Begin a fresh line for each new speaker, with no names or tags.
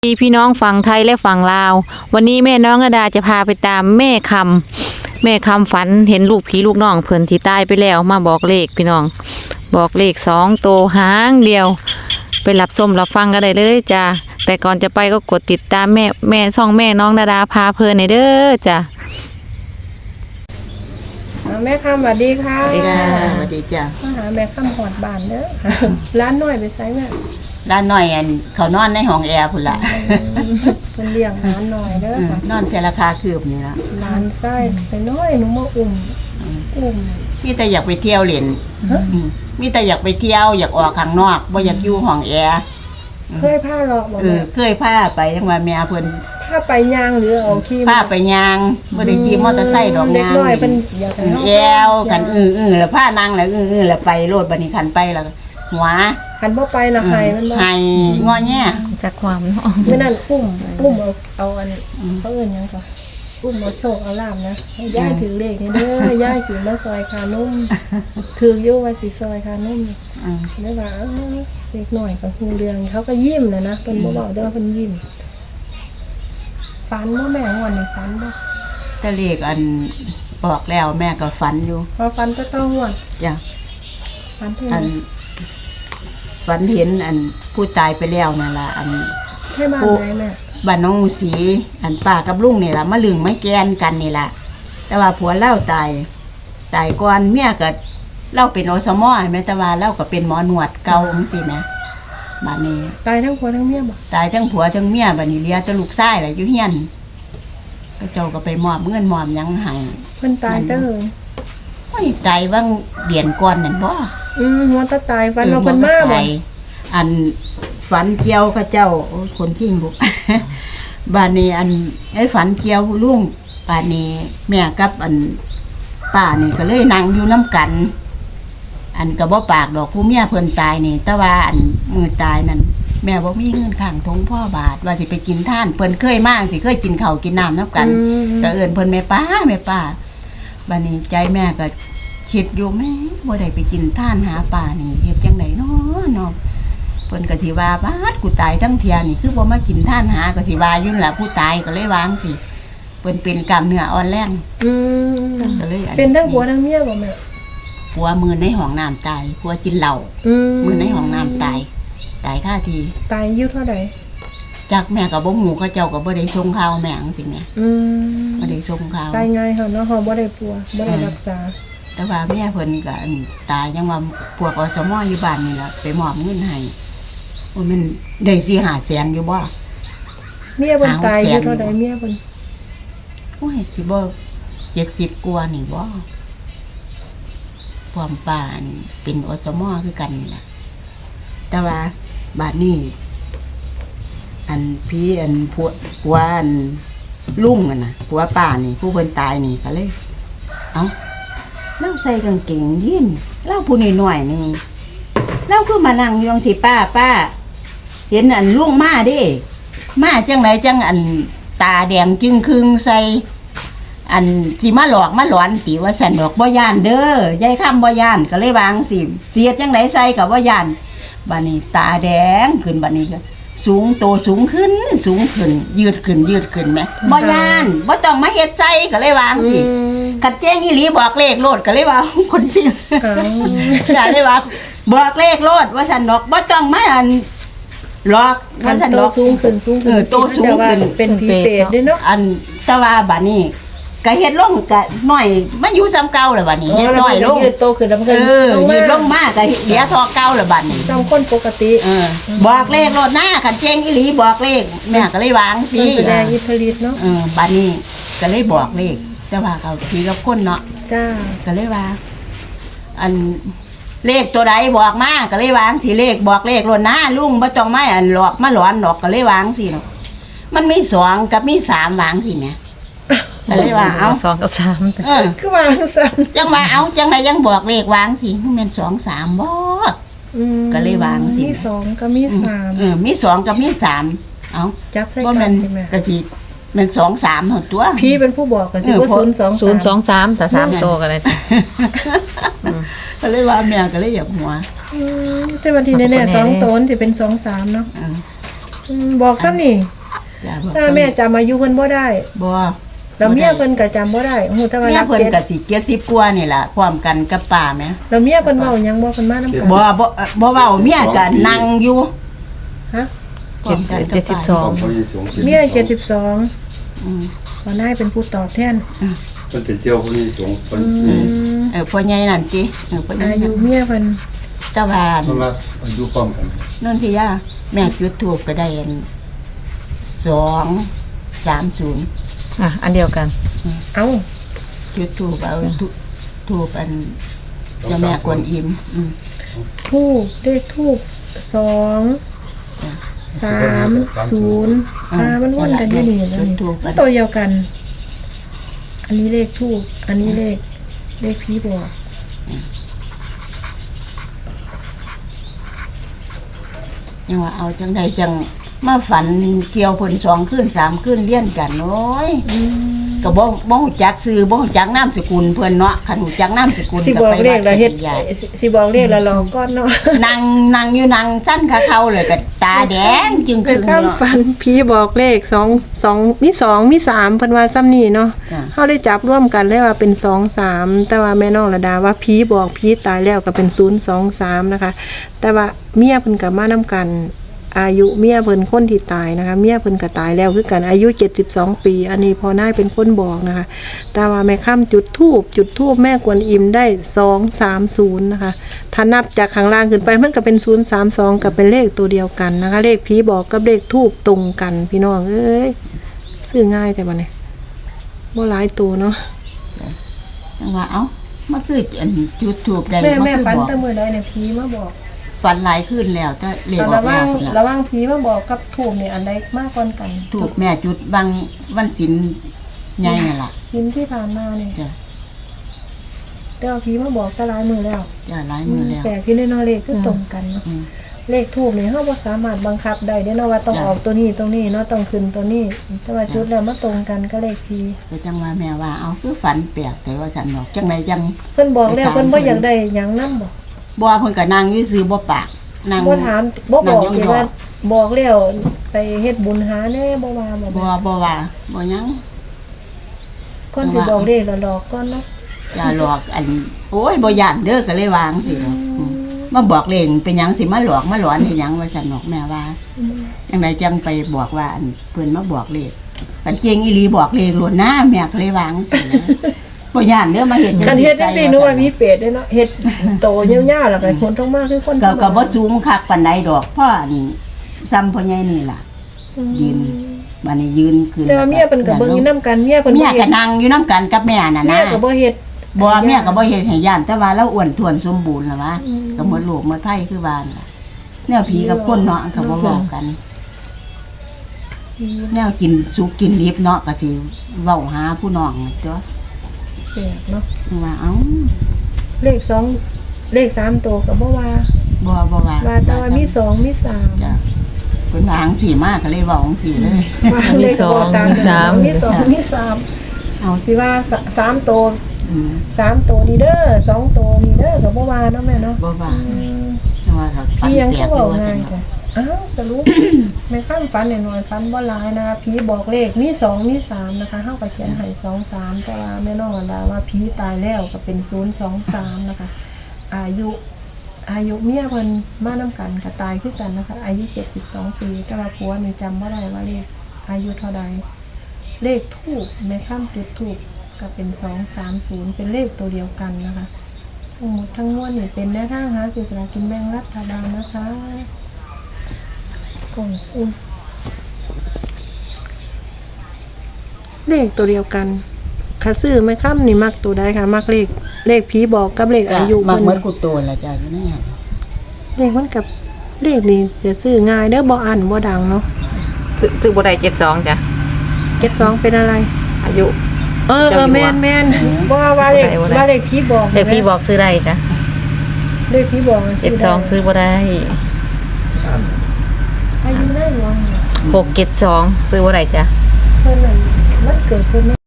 พี่น้องฝั่งไทยและฝั่งลาววันนี้แม่น้องระดาจะพาไปตามแม่คำฝันเห็นลูกผีลูกน้องเพิ่นที่ตายไปแล้วมาบอกเลขพี่น้องบอกเลข2 ตัวหางเดียวไปรับชมรับฟังกันได้เลยจ้าแต่ก่อนจะไปก็กดติดตามแม่ช่องแม่น้องระดาพาเพลินในเด้อจ้า
แม่คำสวัสดีค่ะ
สวัสดีค่ะ
สวัสดีจ้ะ
มาหาแม่คำหอดบานเด้อ ร้านน้อยไปไซแม่
ร้านน้อยอันเขานอนในห้องแอร์พุ่นละ
เพิ่นเลี้ยงร้านน้อยเด้อค่ะ
นอนเทราคาคืบนี่ละ
ร้านไส้ไปน้อยหนูมาอุ้ม
มีแต่อยากไปเที่ยวเล่น
ฮะ
มีแต่อยากไปเที่ยวอยากออกข้างนอกบ่อยากอยู่ห้องแอร์
เคยผ้าหลอกบอก
เค
แม่
ยพาไปยังว่าแม่เพิ่น
ผ้าไปยางหรือเอาขี้
พาไปยางบ่ได้ขี่มอเตอร์ไซค์ดอก
เด็ก
ยาง
น้อยเพิ่นอยากให้เฮา
แอวกันแล้วพานั่งแล้วแล้วไปโลดบัดนี้คันไปแล้วหัว
คันบ่ไปนะให้มันบ่
ให้งอแง
จากความเนาะ
มื้อนั้นอุ้มเอาอันเขาเอิ้นหยังก่อนอุ้มเอาโชคเอาลาภนะให้ยายถือเลขนี่เด้อยายสิมาซอยคานุ่มถืออยู่ว่าสิซอยคานุ่ม ได้ว่าเล็กหน่อยกับฮูเรืองเขาก็ยิ้มนะเพิ่นบ่บอกแต่ว่าเพิ่นยิ้มฝันบ่แม่งอนนี่ฝันบ่
แต่เลขอันบอกแล้วแม่ก็ฝันอยู่
พอฝันจะต้องงวด
จ้ะ
ฝันเท่า
อั
นั้น
ฝันเห็นอันผู้ตายไปแล้วนั่นล่ะอัน
ให้บ้านไหนแม่
บ้านน้องหมูสีอันป้ากับลุงนี่ล่ะมาลึงไม่แกนกันนี่ล่ะแต่ว่าผัวเล่าตายก่อนเมียก็เล่าเป็นอสมแม่แต่ว่าเล่าก็เป็นหมอหนวดเก่าจังซี่แหมบัดนี้
ตายทั้งผัวทั้งเมียบ่
ตายทั้งผัวทั้งเมียบัดนี้เหลือแต่ลูกชายล่ะอยู่เฮียนก็เจ้าก็ไปมอบเงินมอบหยังให้
เพิ่นตายจังเลย
โอ้ยตายว่างเดือนก่อนนั่นบ่
หัวตาตายฝันว่าเพิ่นมาบ่
อันฝันเกี่ยวกับเจ้าโอ้ยคนขี้บุก บ้านนี้อันไอ้ฝันเกี่ยวลุงบ้านนี้แม่กับอันป้านี่ก็เลยนั่งอยู่น้ำกัน อันก็บ่ปากดอกผู้เมียเพิ่นตายนี่แต่ว่าอันมือตายนั่นแม่บ่มีเงินข้างทงพ่อบาทว่าสิไปกินท่านเพิ่นเคยมาสิเคยกินข้าวกินน้ำน้ำกันก็เอิ้นเพิ่นแม่ป้าบ้านนี้ใจแม่ก็คิดอยู่แม่บ่ได้ไปกินท่านหาป่านี่เฮ็ดจังไดเนาะเพิ่นก็สิว่าบาดกูตายทั้งเที่ยนี่คือบ่มากินท่านหาก็สิว่าอยู่นั่นล่ะผู้ตายก็เลยวางสิเพิ่นเป็นกล้ามเนื้ออ่อนแรงก็เลยอั
เป็นทั้งผัวทั้งเมียบ่แม่
ผัวมือในห้องน้ำตายผัวกินเหล้ามือในห้องน้ำตายคาที
ตายอายุเท่าใด
จากแม่ก็บ่ฮู้เขาเจ้าก็บ่ได้ส่งข่าวแม่จังซี่แม่บ่ได้ส่งข่าว
ตายง่ายเฮาเนาะเฮาบ่ได้ปัวบ่ได้รักษา
แต่ว่าแม่เพิ่นก็อันตายยังว่าพวกอสมอยู่บ้านนี่ล่ะไปมอบเงินให้โอ้ยมันได้4-5แสนอยู่บ่
เมียเพิ่นตายอายุเท่าใดเมียเพิ่น
โอ้ยสิบ่70กว่านี่บ่ความป่านเป็นอสมคือกันนี่ล่ะแต่ว่าบาดนี้อันพี่อันผัวอันลุงอ่ะนะผัวป้านี่ผู้เพิ่นตายนี่ก็เลยเอ้าเราใส่กางเกงยีนเราผู้น้อยๆนึงเราคือมานั่งอยู่จังซี่ป้าเห็นอันลุงมาเด้มาจังไดจังอันตาแดงจึงครึงใส่อันสิมาหลอกมาหลอนติว่าสั่นดอกบ่ย่านเด้อยายค่ำบ่ย่านก็เลยวางสิเสียจังไดใส่ก็บ่ย่านบัดนี้ตาแดงขึ้นบัดนี้ก็สูงโตสูงขึ้นยืดขึ้นแหมบ่ย่านบ่ต้องมาเฮ็ดใส่ก็เลยวางสิคัดแจ้งอีหลีบอกเลขโลดก็เลยว่าคนที่ก็เลยว่าบอกเลขโลดว่าสั่นดอกบ่ต้องมาอันหลอก
คั
ว่าน สั่น
โต
ดอก
สูงขึ้น
โตสูงขึ้น
เป็นผีเปรตเด้เนาะ
อันแตะว่าบัดนี้ก็เฮ็ดลงก็น้อยมาอยู่ซ้ำเก่าแล้วบัดนี้เฮ็ดน้อยลง
ยืดโตขึ้นแล้วมันก็
ยืดลงมาก็เหลือทอเก่าแล้วบัดนี้
ซ้ำคนปกติ
บอกเลขรถหน้าคันเจงอีหลีบอกเลขแม่ก็เลยวางสิ
มันแสดงอิทธิฤทธิ์เนาะ
บัดนี้ก็เลยบอกเลขแต่ว่าเขาผีกับคนเนาะ
จ้า
ก็เลยว่า อันเลขตัวใดบอกมาก็เลยวางสิเลขบอกเลขรถหน้าลุงบ่ต้องมาอันหลอกมาหลอนดอกก็เลยวางสิเนาะมันมี2กับมี3วางสิแม่ก็เลยว่าเอา
2 กับ 3
คือว่าซั่น
จังว่าเอาจังไดยังบอกเลขวางสิแม่น2 3บ่ ก็เลยวางสิ
มี2กับมี3
มี2กับมี3เอา
จับใส่
บ่
กั
แม่
น
น
ใช่ไหม
ก็สิแม่น2 3หั่นตัว
พี่เป็นผู้บอกก็สิว่า
023แต่3ตัวก็เลย
ก็เลยว่าแม่ก็เลยอยากหัว
แต่วันที่แน่ๆ2ตนที่เป็น2 3เนาะบอกซ้ำนี่
จ้าบอก
ถ้าแม่จำอายุเพิ่นบ่ได้
บ่
แล้วเมียเพิ่นก็จำบ่ได้ฮู้แต่ว่า
เมีย
รัก
เพิ่น
เจ็ด
ก็สิ70กว่านี่ล่ะพร้อมกันกับป้าแม่
แล้วเมียเพิ่นเว้าหยังบ่เพิ่นมานำกัน
บ่เว้าเมียก็นั่งอยู่
ฮะ
72
เขายังสูง
เมีย72
อืม
บ่นายเป็นผู้ตอบแทน
มันเป็นเซี่ยวเขายังสูงคน
พ่อใหญ่นั่นติพ่อใหญ่
อายุ
นั่น
เมียเพิ่น
แตะวา
เพราะว่าอายุพร้อมกัน
นั่นที่ย่าแม่จุดทูบก็ได้อัน230
อันเดียวกัน
เอ้า
จุดทูบเอาทูบอันเจ้าแม่กวนอิม
ทูบเลขทูบ230มันวนกันอยู่นี่นะนี่ตัวเดียวกัน อันนี้เลขทูบอันนี้เลขผีบอก
ยังว่าเอาจังใดจังมาฝันเกี่ยวเพิ่น2คืน3คืนเลี้ยนกันโอ้ยก็บ่ฮู้จักชื่อบ่ฮู้จักนามสกุลเพิ่นเนาะคันฮู้จักนามสกุล
สิบอกเลขแล้วเฮ็ด
ใหญ่
สิบอกเลขแล้วรอก่อนเนาะ
นั่งอยู่นั่งสั้นขาเขาเลยก็ตาแดงจึง
เป็น
เนาะ
คำฝันผีบอกเลข2มี2มี3เพิ่นว่าซ้ำนี่เนาะ
จ้ะ
เฮาได้จับร่วมกันเลยว่าเป็น2 3แต่ว่าแม่น้องระดาว่าผีบอกผีตายแล้วก็เป็น023นะคะแต่ว่าเมียเพิ่นก็มานํกันอายุเมียเพิ่นคนที่ตายนะคะเมียเพิ่นก็ตายแล้วคือกันอายุ72ปีอันนี้พอนายเป็นคนบอกนะคะแต่ว่าแม่ค่ำจุดธูปแม่กวนอิมได้230นะคะถ้านับจากข้างล่างขึ้นไปมันก็เป็น032กับเป็นเลขตัวเดียวกันนะคะเลขผีบอกกับเลขธูปตรงกันพี่น้องเอ้ยซื้อง่ายแต่บัดนี้บ่หลายตัวเนาะ
จังว่าเอ้ามาคืออันจุดทูบได้
แม่
คือ
ฝัน
บอก
แต่มื้อใดเนี่ยผีมาบอก
ฝันหลายขึ้นแล้วแต่เลขออ
ระ
ก
ห
แล้
ว่าง
ว
ระหว่างผีมาบอกกับธูปนี่อันใดมากกว่ากัน
ทูบแม่จุดบางวันศีลใหญ่นั่นล่ะ
ชิ้นที่ผ่านมาเนี่ย
จ้ะ
แต่ว่าผีมาบอกก็หลายมือแล้ว
จ้ะหลายมือแล้ว
แต่พี่ในนอเลขก็ตรงกันเนาะ
อืม
เลขทูบนี่เฮาบ่สามารถบังคับได้เด้เนาะว่าต้อง
จ้ะ
ออกตัวนี้ตรงนี้เนาะต้องขึ้นตัวนี้ แต่ว่าจุดแล้วมาตรงกันก็เลขผี
ก็จังว่าแม่ว่าเอาคือฝันแปลกแต่ว่าฉันบอกจังไดจัง
เพิ่นบอกแล้วเพิ่นบ่อยากได้หยังนำบ่
บ่เพิ่นก็นั่งอยู่ซื่อบ่ปากนั่ง
บ่ถามบ่บอก
นั่ง
สิ
ยองๆ
ว่าบอกแล้วไปเฮ็ดบุญหาแน่บ่ว่าบ่
บ่ว่าบ่หยัง
คนสิบอกเลขแล้วหลอกก่อนเนาะ
อย่าหลอกอันโอ้ยบ่ย่านเด้อก็เลยวางสิมาบอกเลงเป็นหยังสิมาหลอกมาหลอนให้หยังว่าฉันบอกแม่ว่าจังไดจังไปบอกว่าอันเพิ่นมาบอกเลขกันเจงอีหลีบอกเลขล้วนหน้าแม่ก็เลยวางสินะบ่ย่านเด้อมาเฮ็ด
คันเฮ็ดจังซี่หนูว่ามีเปรตเด้เนาะเฮ็ดโตยาวๆแล้วก็คนต้องมาคือคน
ก็บ่สูงคักปานใดดอกเพราะอันซ้ำพ่อใหญ่นี่ล่ะยืนบัดนี้ยืนขึ้น
แต่ว่าเมียเพิ่นก็เบิ่งอยู่นํกันเมียเพิ่น
เมีย
บ่
ก็
เฮ็ด
นั่งอยู่นํกันกับแม่น่ะ
เมี
นะ
ยก็บ่เฮ็ด
บ่เมียก็บ่เฮ็ดให้ย่านแต่ว่าเราอ้วนท้วนสมบูรณ์ล่ะวะก็หมดโลกหมดไผคือบ้านล่ะแนวผีกับคนเนาะก็บ่เว้ากัน แนวกินสุกกินดิบเนาะก็สิเว้าหาผู้น้องจ้ะ
แปลกเนาะ
ว่าเอ้า
เลข2เลข3ตัวก็บ่ว่า
บ่ว่า
ว่าแต่ว่ามี2มี3
จ้ะเพิ่นว่าจังซี่มาก็เลยเว้าจังซี่เลย
มีสองมีสาม
มี2มี3เอาสิว่า3ตัว
อืม
3ตัวนี่เด้อ2ตัวนี่เด้อก็บ่ว่าเนาะแม่เนาะ
บ่ว่าแต่ว่าก็ฝัน
พี่ยัง
แปล
คื
ก
อ
อ
เว้า
ยู่ว่า
ง่า
ซั่
ย
น
จ้ะอ้าวสรุป แม่ข้ามฝันน้อยๆฝันบ่หลายนะคะผีบอกเลขมี2มี3นะคะเฮาก็เขียนให้2 3แต่ว่าแม่น้องอันดาว่าผีตายแล้วก็เป็น023นะคะอายุเมียเพิ่นมานํกันก็ตายคือกันนะคะอายุ72ปีแต่ว่าผัวนี่จำบ่ได้ว่าเลขอายุเท่าใดเลขทูปแม่ข้ามจุดทูปก็เป็น230เป็นเลขตัวเดียวกันนะคะทั้งหมดทั้งมวลนี่เป็นแนวทางหาซื้อสลากกินแบ่งรัฐบาลนะคะกล่องซุ่มเลขตัวเดียวกันค่ะซื้อแม่ค่ำนี่มักตัวใดค่ะมักเลขผีบอกกับเลขอายุ
มัก
เพิ่น
เหมือนกูโตล่ะจ้ะอยู่เนี่ย
เลขมันกับเลขนี่จะซื้อง่ายเด้อบ่อันบ่ดังเนาะ
ซื้อบ่ได้72จ้ะ
72เป็นอะไร
อายุ
แม่นบ่ว่าเลข
บ่ได้
ว่าเลขผีบอก
เลขพี่บอกซื้อได้จ้ะ
เลขผีบอกมันซื้อได้
72ซื้อบ่ได้
อายุได้หรอ
672ซื้อบ่ได้จ้ะ
เพิ่นนั่นมันเกิดเพิ่น